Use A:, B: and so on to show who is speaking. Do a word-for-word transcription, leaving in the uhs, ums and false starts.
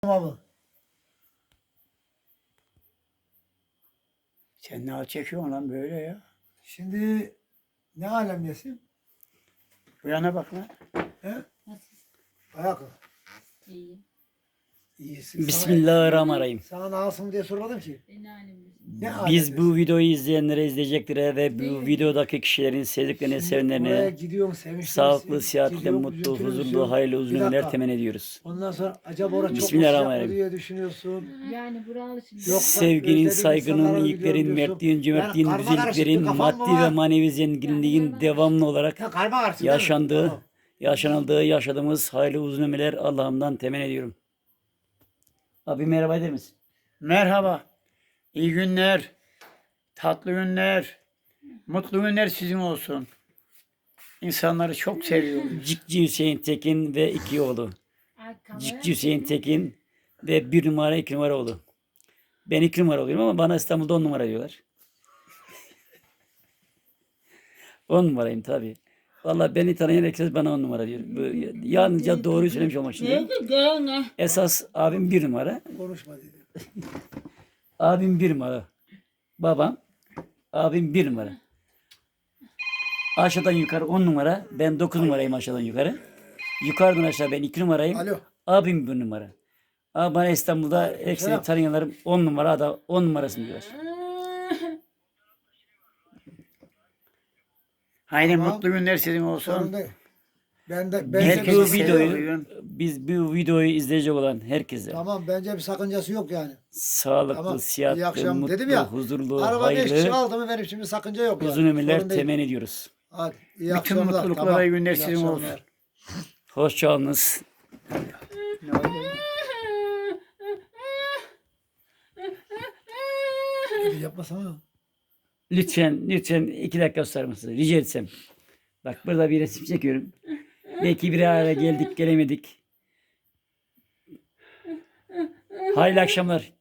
A: Abi.
B: Sen ne çekiyorsun lan böyle ya?
A: Şimdi ne alemdesin?
B: Bu yana bak lan.
A: He?
C: Nasıl?
A: Ayakkabı.
C: İyi.
A: İyisin.
B: Bismillahirrahmanirrahim.
A: Sana, sana nasıl mı diye sormadım ki.
C: Ben halimdesin.
A: Ne
B: Biz
A: alemdesin?
B: bu videoyu izleyenlere, izleyeceklere ve bu videodaki kişilerin sevdiklerine,
A: Şimdi oraya
B: sevenlerine
A: gidiyorum, sevinçli
B: sağlıklı,
A: misin?
B: sıhhatli,
A: Gidiyorum,
B: mutlu,
A: üzüntülü
B: huzurlu,
A: müsün?
B: hayırlı, uzun
A: Bir
B: ömürler
A: dakika.
B: temenni ediyoruz.
A: Ondan sonra acaba orada çok mu sıcak mı
B: Bismillahirrahmanirrahim.
A: diye düşünüyorsun.
C: Yani buralı şimdi.
A: Yoksa
B: Sevginin,
A: özlediğin
B: saygının,
A: insanları
B: iyiliklerin,
A: biliyorum diyorsun.
B: mertliğin, cömertliğin,
A: Yani karma karışık bir
B: güzelliklerin,
A: kafan mı
B: maddi ve
A: var?
B: manevi zenginliğin devamlı olarak
A: Ya karma karışık değil mi?
B: yaşandığı,
A: Tamam.
B: yaşanıldığı, yaşadığımız hayırlı uzun ömürler Allah'ımdan temenni ediyorum. Abi merhaba eder misin? Merhaba. İyi günler. Tatlı günler. Mutlu günler sizin olsun. İnsanları çok seviyorum. Cikci Hüseyin Tekin ve iki oğlu. Cikci Hüseyin Tekin ve bir numara iki numara oğlu. Ben iki numara oluyorum ama bana İstanbul'da on numara diyorlar. On numarayım tabii. Vallahi beni tanıyan herkes bana on numara diyor. Bu, yalnızca doğruyu söylemiş olmak için diyorum.
C: Ne?
B: Esas abim bir numara.
A: Konuşma dedi.
B: Abim bir numara. Babam. Abim bir numara. Aşağıdan yukarı on numara. Ben dokuz numarayım aşağıdan yukarı. Yukarıdan aşağı ben iki numarayım.
A: Alo.
B: Abim bir numara. Ama bana İstanbul'da hepsini tanıyanlarım on numara da on numarasını diyorlar. Haydi
A: Tamam.
B: mutlu günler sizin olsun.
A: Sorun değil. Ben de ben
B: Biz
A: de-
B: bu videoyu biz bu videoyu izleyecek olan herkese
A: Tamam, bence bir sakıncası yok yani.
B: sağlıklı,
A: Tamam. İyi
B: sıhhatli,
A: akşam
B: mutlu,
A: dedim ya.
B: huzurlu,
A: Araba beş kişi
B: hayırlı,
A: aldı mı benim şimdi sakınca yok yani.
B: uzun ömürler
A: Sorun değil.
B: temenni ediyoruz.
A: Hadi iyi
B: Bütün
A: akşamlar.
B: mutluluklar,
A: Tamam.
B: iyi günler
A: İyi
B: sizin
A: akşamlar.
B: olsun. Hoşçakalınız.
A: Hadi yapmasana.
B: Lütfen, lütfen iki dakika susar mısınız? Rica etsem. Bak burada bir resim çekiyorum. Belki bir araya geldik, gelemedik. Hayırlı akşamlar.